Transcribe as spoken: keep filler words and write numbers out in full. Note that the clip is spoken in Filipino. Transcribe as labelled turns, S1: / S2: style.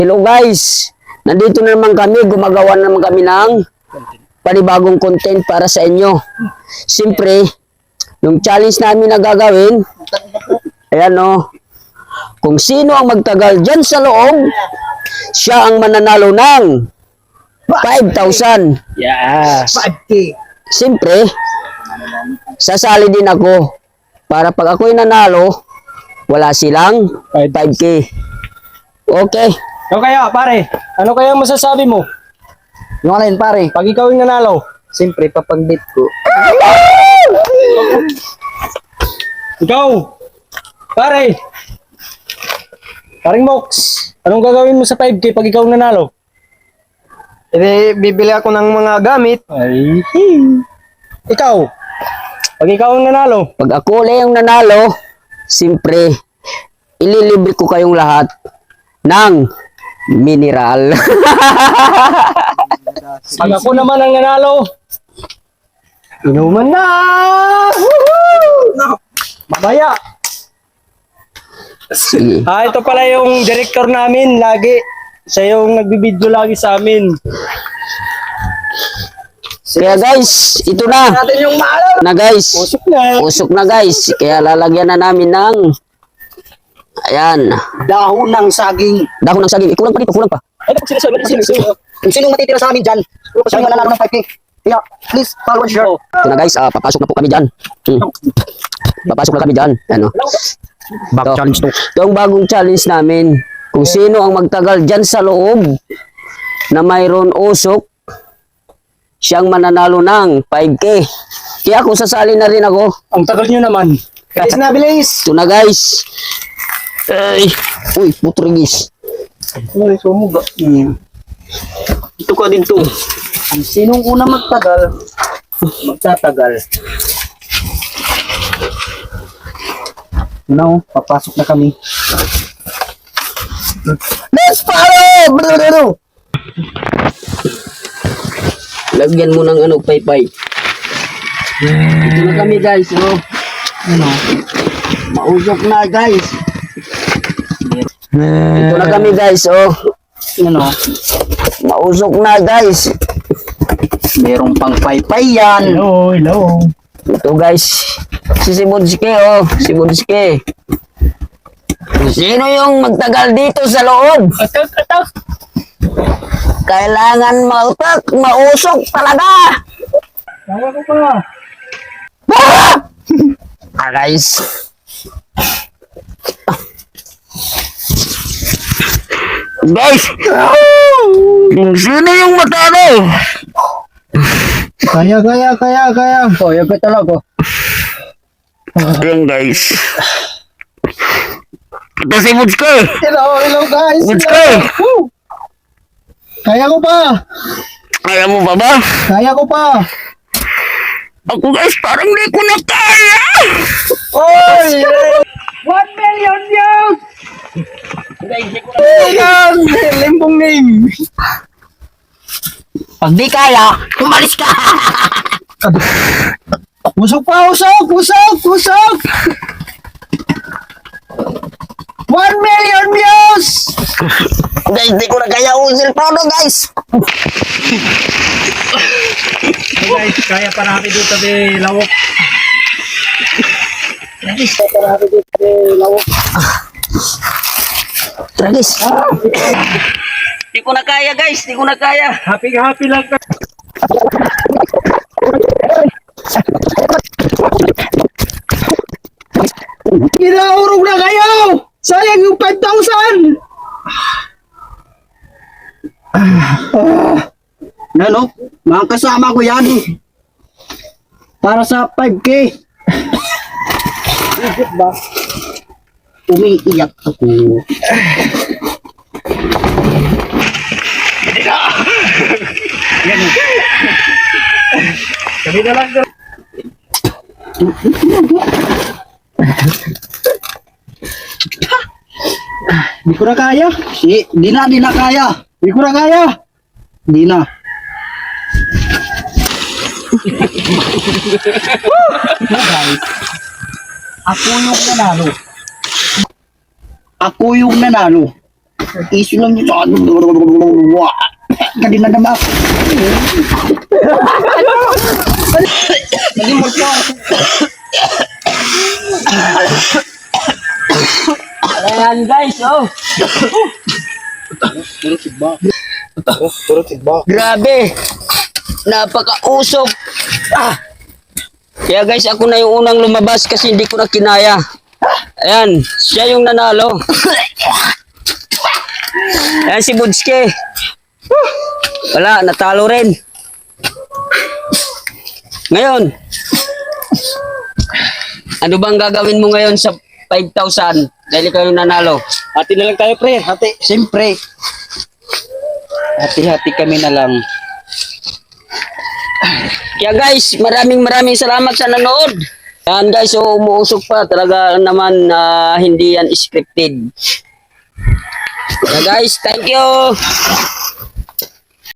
S1: Hello guys, nandito na naman kami, gumagawa na naman kami ng panibagong content para sa inyo. Siyempre, yung challenge namin na gagawin, ayan o, kung sino ang magtagal dyan sa loob, siya ang mananalo ng five thousand.
S2: Yes.
S3: five K.
S1: Siyempre, sasali din ako para pag ako'y nanalo, wala silang five K. Okay.
S2: O kaya, pare, ano kaya masasabi mo?
S3: Yung alin pare,
S2: Pag ikaw yung nanalo,
S3: siyempre papag-date ko.
S2: ikaw, pare, paring Mox, anong gagawin mo sa five K pag ikaw nanalo?
S3: Eh, bibili ako ng mga gamit.
S2: Ay, ikaw, pag ikaw ang nanalo,
S1: Pag ako ulit yung nanalo, siyempre, ililibre ko kayong lahat ng mineral.
S2: pag ako naman ang nanalo, inuman na! Woohoo! Mamaya.
S1: Sige.
S2: Ah, ito pala yung director namin lagi. Siya yung nagbibideo lagi sa amin.
S1: Kaya guys, ito na.
S3: Natin yung maalaw.
S1: Na guys.
S2: Usok na.
S1: Usok na guys. Kaya lalagyan na namin ng ayan.
S3: Dahon ng saging.
S1: Dahon ng saging. Eh, kulang pa dito, kulang pa.
S2: Ay, naku, sinasabi, sinasabi.
S3: Kung sinong matitira sa amin dyan, siya yung mananalo ng five K. Kaya, please, follow and share.
S1: Ito na guys, ah, papasok na po kami dyan. Hmm. Papasok na kami dyan. Ano?
S2: Back
S1: Ito.
S2: challenge to.
S1: Ito ang bagong challenge namin. Kung sino ang magtagal dyan sa loob na mayroon usok, siyang mananalo ng five K. Kaya kung sasali na rin ako,
S2: Ang tagal nyo naman.
S3: Bilis na, bilis.
S1: ito na guys. Ay, uy, putrigis.
S3: Ay, sumuga.
S2: Hmm. Ito ka din to.
S3: Ang sinong una magtagal, magtatagal. No, papasok na kami. Let's follow! Brrrr!
S1: Lagyan mo ng ano, paypay. Ito na kami guys, oh.
S3: Ano?
S1: Mausok na guys. Ito na kami guys, oh.
S3: Ano?
S1: Mausok na guys.
S3: Merong pang paypay yan.
S2: Hello, hello.
S1: Ito guys. Si Sibunski, oh. Sibunski. Sino yung magtagal dito sa loob?
S2: Atak, atak.
S1: Kailangan mautak, mausok talaga.
S2: Kaya ko pa.
S1: Ah, guys. Guys. Sino yung matalo?
S3: Kaya, kaya, kaya, kaya. Oh, yung talaga.
S1: Ayan guys. Ito si Mutske.
S3: Hello, hello guys.
S1: Mutske.
S3: Kaya ko pa.
S1: Kaya mo ba ba?
S3: Kaya ko pa.
S1: Ako guys, parang di ko na kaya.
S3: Oy!
S2: One million views!
S3: Ayan! Limbong name.
S1: Pag di kaya, umalis ka.
S3: Usok pa, usok, usok, usok. One million views!
S1: Guys, di ko na kaya usil pa no guys.
S2: Guys, kaya pa natin dito sa lawak.
S1: Tragis. Di ko na kaya guys, di ko na kaya.
S2: Happy happy lang ka.
S3: Inaurog na kayo! Sayang yung five thousand! Ano? Mga kasama ko yan. Para sa five K. Ikot ba? Umiiyak ako.
S2: Sabi na lang.
S3: Di ko na kaya. Di, di na, di na kaya. Di ko na kaya. Di na. Guys, ako yung nanalo. Ako yung nanalo. Iso lang yun. Kanina naman ako. Nalimot ko.
S1: Ayan guys, oh.
S3: Turot sigba.
S1: Grabe. Napakausok. Ah. Kaya guys, ako na yung unang lumabas kasi hindi ko na kinaya. Ayan, siya yung nanalo. Ayan si Budske. Wala, natalo rin. Ngayon, ano bang gagawin mo ngayon sa five thousand dahil ikaw yung nanalo?
S2: Hati na lang tayo, pre. Hati.
S3: Siyempre. Hati-hati kami na lang.
S1: Kaya guys, maraming maraming salamat sa nanood. Yan guys, so umuusok pa. Talaga naman na hindi yan scripted. Kaya guys, thank you.